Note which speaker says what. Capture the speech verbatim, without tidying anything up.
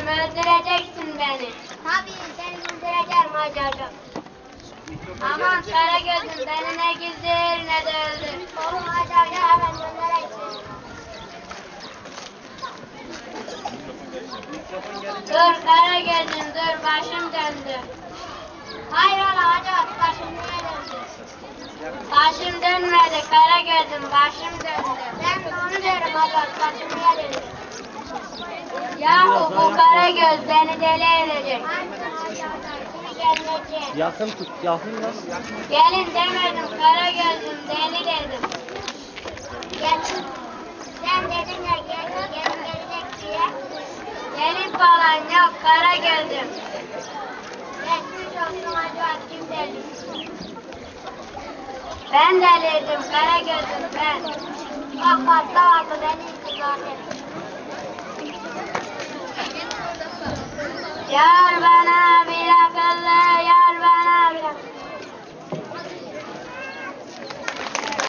Speaker 1: deliyim, öldüreceksin beni.
Speaker 2: Tabii seni öldüreceğim Hacı Hoca.
Speaker 1: Aman Karagöz'üm beni ne güzel ne de öldür.
Speaker 2: Oğlum Hacı Hoca hemen göndereyim seni.
Speaker 1: Dur Karagöz'üm dur, başım döndü.
Speaker 2: Hayrola Hacı Hoca, başım niye döndü?
Speaker 1: Başım dönmedi Karagöz'üm, başım döndü.
Speaker 2: Ben de onu diyorum Hacı Hoca, başım niye döndü?
Speaker 1: Yahu bu Karagöz beni deli edecek.
Speaker 2: Hadi Hacı Hoca, şimdi gelmeyeceğim.
Speaker 3: Yakın tut, yakın lan.
Speaker 1: Gelin demedim Karagöz'üm, deli dedim.
Speaker 2: Gel. Sen dedin ya gel, gel gelecek diye.
Speaker 1: Deli falan yok Karagöz'üm.
Speaker 2: Geçmiş olsun Hacı Hoca, kim deli?
Speaker 1: Ben deliydim Karagöz'üm ben.
Speaker 2: Ah fazla vardı beni zaten.
Speaker 1: Yar